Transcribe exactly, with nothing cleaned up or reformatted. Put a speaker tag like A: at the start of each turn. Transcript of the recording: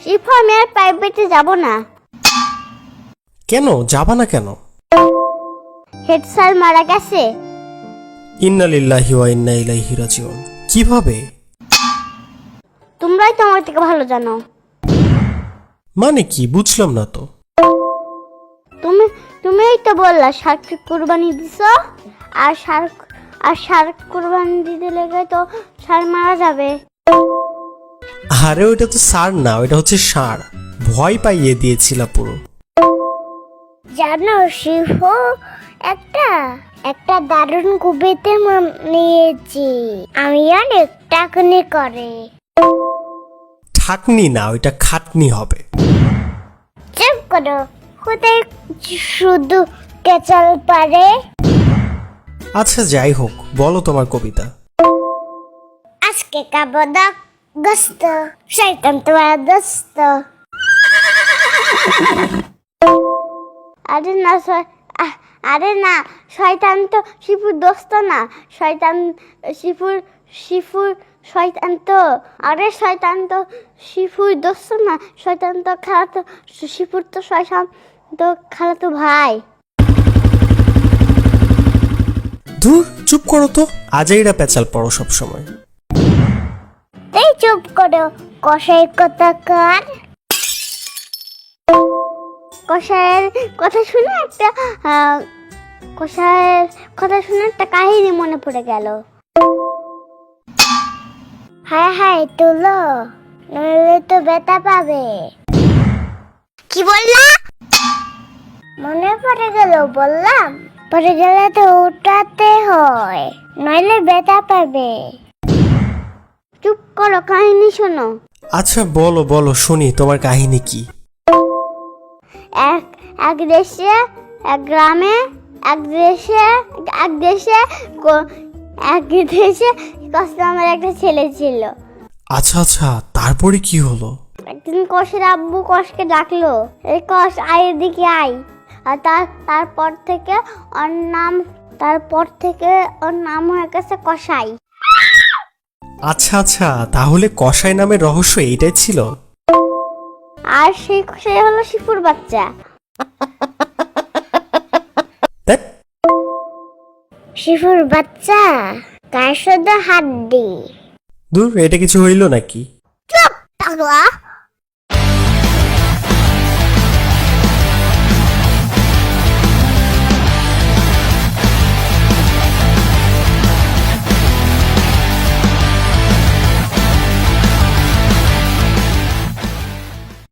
A: Shifu আমি আর প্রাইভেটে যাব না।
B: কেন যাবা না কেন?
A: হেড স্যার মারা গেছে।
B: ইন্না লিল্লাহি ওয়া ইন্না ইলাইহি রাজিউন। কিভাবে?
A: তোমরাই তো আমার থেকে ভালো জানো।
B: মানে কি বুঝলাম না তো।
A: তুমি তুমিই তো বললা শার্ক কুরবানি দিছো, আর শার্ক আর শার্ক কুরবানি দিতে লেগে তো ষাঁড় মারা যাবে।
B: আরে ওইটা তো সার না, ওইটা হচ্ছে ষাঁড়। ভয় পাইয়ে দিয়েছিল পুরো।
A: জানো শিফু, একটা একটা দারুণ কবিতা নিয়েছি আমি, অনেক টাকনি করে।
B: ঠাকনি না, ওইটা খাটনি হবে।
A: চুপ করো, কোথায় শুধু কেচাল পারে।
B: আচ্ছা যাই হোক, বলো তোমার কবিতা।
A: আজকে খাবো দা গোস্ত, শয়তান তোমার দোস্ত। আরে না শয়- আহ, আরে না, শয়তান তো শিফুর দোস্ত না। শয়তান শিফুর শিফুর শয়তান তো। আরে শয়তান তো শিফুর দোস্ত না, শয়তান তো খালাতো, শিফুর তো শয়তান তো খালাতো ভাই।
B: ধুর চুপ করো তো, আজাইরা পেঁচাল পড়ো সব সময়।
A: এই চুপ করো, কষাই কথা কার। কষায়ের কথা শুনে একটা আহ, কষায়ের কথা শুনে একটা কাহিনী মনে পড়ে গেল। হায় হায় তুলো, নইলে তো ব্যথা পাবে। কি বললা? মনে পড়ে গেল বললাম, পড়ে গেলে তো উঠাতে হয়, নইলে ব্যথা পাবে। চুপ করো, কাহিনী শোনো।
B: আচ্ছা বলো বলো শুনি, তোমার কাহিনী কি?
A: এক এক দেশে, এক গ্রামে, এক দেশে এক দেশে ক- এক দেশে কষ্ট আমার একটা ছেলে ছিল।
B: আচ্ছা আচ্ছা, তারপরে কি হলো?
A: একদিন কষের আব্বু কষকে ডাকলো, এই কষ আয় এদিকে আয়। আর তার তারপর থেকে ওর নাম তারপর থেকে ওর নাম হয়ে গেছে কষাই।
B: আচ্ছা আচ্ছা, তাহলে কসাই নামের রহস্য এইটাই ছিল।
A: আর সেই কষাই হলো শিফুর বাচ্চা।
B: ধ্যাৎ,
A: শিফুর বাচ্চা কার শুধু হাড্ডি।
B: দূর, এটা কিছু হইল নাকি?
A: চুপ পাগলা।